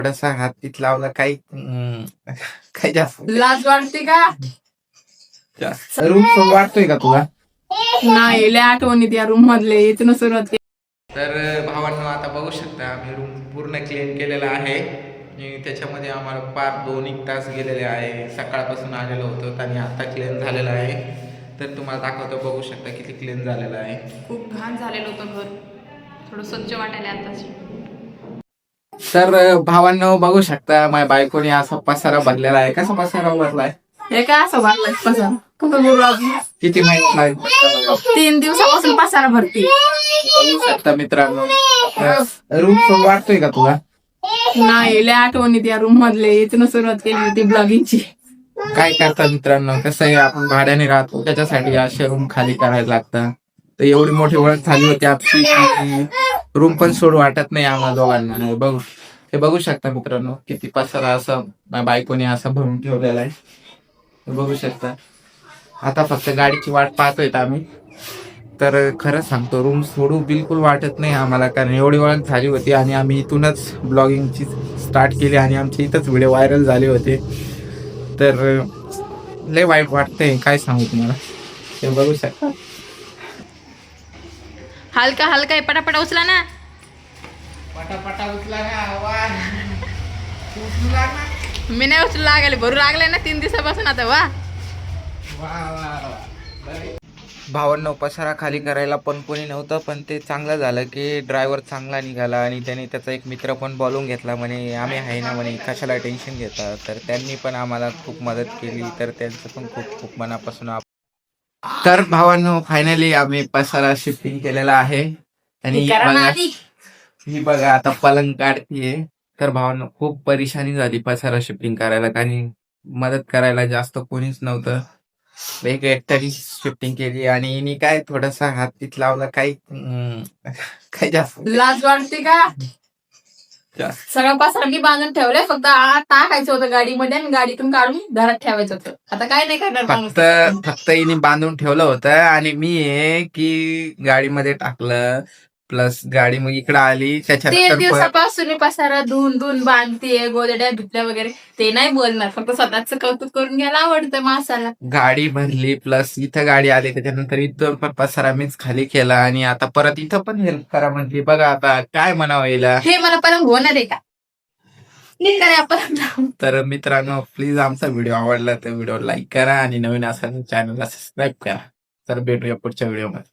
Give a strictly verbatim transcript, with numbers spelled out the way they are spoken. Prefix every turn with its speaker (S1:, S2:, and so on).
S1: थोडासा हात तीत लावला काही अं, काही जास्त
S2: लाज वाटते का?
S1: जास्त रूम सोड वाटतोय का तुला?
S2: नाही, लय आठवणी त्या रूम मधले इथून सुरुवात केली.
S1: तर भावांनो आता बघू शकता आम्ही रूम पूर्ण क्लीन केलेला आहे आणि त्याच्यामध्ये आम्हाला पार दोन एक तास गेलेले आहे. सकाळपासून आलेलो होतो आणि आता क्लीन झालेलं आहे. तर तुम्हाला दाखवतो, बघू शकता किती क्लीन झालेलं आहे.
S2: खूप घाण झालेलं होतं घर, थोडं स्वच्छ वाटायला आताच.
S1: तर भावांनो बघू शकता माझ्या बायकोने असा पसारा भरलेला आहे. कसा पसारा भरलाय?
S2: हे काय असं भरलंय पसारा? कुठं बोलू अजून?
S1: किती माहित नाही.
S2: तीन दिवसापासून पसारा भरती.
S1: बघू शकता मित्रांनो, रूम सोड वाटतोय का तुला?
S2: नाही, लय आठवणी त्या रूम मधले इथून सुरुवात केली होती ब्लॉगिंगची.
S1: काय करतात मित्रांनो, कसं आहे आपण भाड्याने राहतो त्याच्यासाठी असे रूम खाली करायला लागतात. तर एवढी मोठी ओळख झाली होती आपली की रूम पण सोड वाटत नाही आम्हाला दोघांना. बघू हे बघू शकता मित्रांनो, किती पसारा असं माझ्या बायकोने असं भरून ठेवलेला आहे. बघू शकता. आता फक्त गाडीची वाट पाहतोय आम्ही. तर खरं सांगतो, रूम सोडू बिलकुल वाटत नाही आम्हाला, कारण एवढी ओळख झाली होती आणि आम्ही इथूनच ब्लॉगिंगची स्टार्ट केली आणि आमची इथंच व्हिडिओ व्हायरल झाले होते. तर लय वाईट वाटतंय, काय सांगू तुम्हाला. ते बघू शकता.
S2: हलका हलका आहे, पटापटा उचला ना.
S1: पटापटा उचला ना. उचलू लागला.
S2: मी नाही उचलू लागले, भरू लागले ना तीन दिवसापासून आता. वा
S1: भावांनो, पसारा खाली करायला पण कोणी नव्हतं, पण ते चांगलं झालं की ड्रायव्हर चांगला निघाला आणि त्याने त्याचा एक मित्र पण बोलवून घेतला. म्हणे आम्ही आहे ना, म्हणे कशाला टेन्शन घेता. तर त्यांनी पण आम्हाला खूप मदत केली. तर त्यांचं पण खूप खूप मनापासून आभार. तर भावांनो, फायनली आम्ही पसारा शिफ्टिंग केलेला आहे आणि बघा, ही बघा आता पलंग काढतीये. तर भावांनो, खूप परेशानी झाली पसारा शिफ्टिंग करायला, कारण मदत करायला जास्त कोणीच नव्हतं. एक एकट्याने शिफ्टिंग केली आणि हिने काय थोडासा हात तीत लावला काही अं, काही जास्त
S2: लाज वाटते का?
S1: जास्त
S2: सगळं पसारा मी बांधून ठेवलंय, फक्त आत टाकायचं होतं गाडीमध्ये आणि गाडीतून काढून घरात ठेवायचं होतं. आता काय नाही करणार माणूस.
S1: फक्त फक्त हिने बांधून ठेवलं होतं आणि मी आहे की गाडीमध्ये टाकलं. प्लस गाडी मग इकडे आली
S2: तीन
S1: त्याच्यानंतर परत
S2: दिवसापासून मी पसारा धुवून धुवून बांधतेय, गोदड्या धुतल्या वगैरे. ते नाही बोलणार, फक्त स्वतःच कौतुक करून घ्यायला आवडतं माणसाला.
S1: गाडी भरली, प्लस इथं गाडी आली, त्याच्यानंतर इथं पण पसारा मीच खाली केला आणि आता परत इथं पण हेल्प करा म्हटली. बघा आता काय म्हणावं हिला.
S2: हे मला पलंग होणार आहे का? नीट करा आपण.
S1: तर मित्रांनो, प्लीज आमचा व्हिडिओ आवडला तर व्हिडिओ लाईक करा आणि नवीन असाल चॅनलला सबस्क्राईब करा. तर भेटूया पुढच्या व्हिडिओमध्ये.